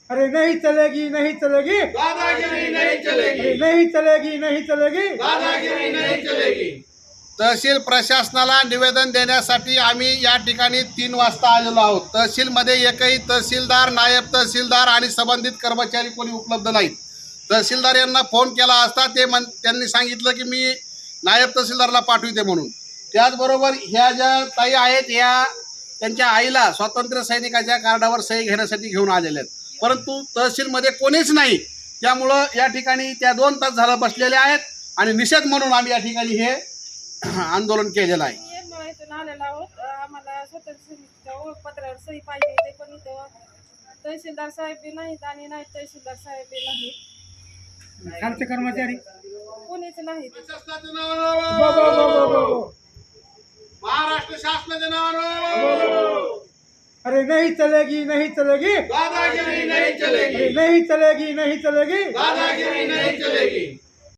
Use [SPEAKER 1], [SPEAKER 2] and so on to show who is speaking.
[SPEAKER 1] अरे नहीं चलेगी नहीं चलेगी,
[SPEAKER 2] दादागिरी नहीं चलेगी,
[SPEAKER 1] अरे नहीं चलेगी नहीं चलेगी,
[SPEAKER 2] दादागिरी नहीं चलेगी।
[SPEAKER 3] तहसील प्रशासनाला निवेदन देण्यासाठी आम्ही या ठिकाणी 3 वाजता आलेलो आहोत। तहसीलमध्ये एकही तहसीलदार, नायब तहसीलदार आणि संबंधित कर्मचारी कोणी उपलब्ध नाहीत। तहसीलदार यांना फोन केला असता त्यांनी सांगितलं की मी नायब तहसीलदारला पाठविते म्हणून। त्याचबरोबर ह्या ज्या ताई आहेत ह्या त्यांच्या आईला स्वातंत्र्य सैनिकाच्या कार्डावर सही घेण्यासाठी घेऊन आलेल्या आहेत, परंतु तहसीलमध्ये कोणीच नाही। त्यामुळं या ठिकाणी त्या 2 तास झालं बसलेल्या आहेत आणि निषेध म्हणून आम्ही या ठिकाणी हे आंदोलन केलेलं आहे।
[SPEAKER 4] इथून आलेला आहोत। आम्हाला स्वतंत्र ओळखपत्रावर सही पाहिजे ते, पण इथं तहसीलदार साहेब बी नाहीत आणि नाही तहसीलदार साहेब बी नाहीत,
[SPEAKER 1] खालचे कर्मचारी
[SPEAKER 4] कोणीच नाहीत।
[SPEAKER 3] महाराष्ट्र शासनाच्या नावानं
[SPEAKER 1] अरे नहीं चलेगी नहीं चलेगी,
[SPEAKER 2] दादागिरी नहीं चलेगी,
[SPEAKER 1] अरे नहीं चलेगी नहीं चलेगी,
[SPEAKER 2] दादागिरी नहीं चलेगी।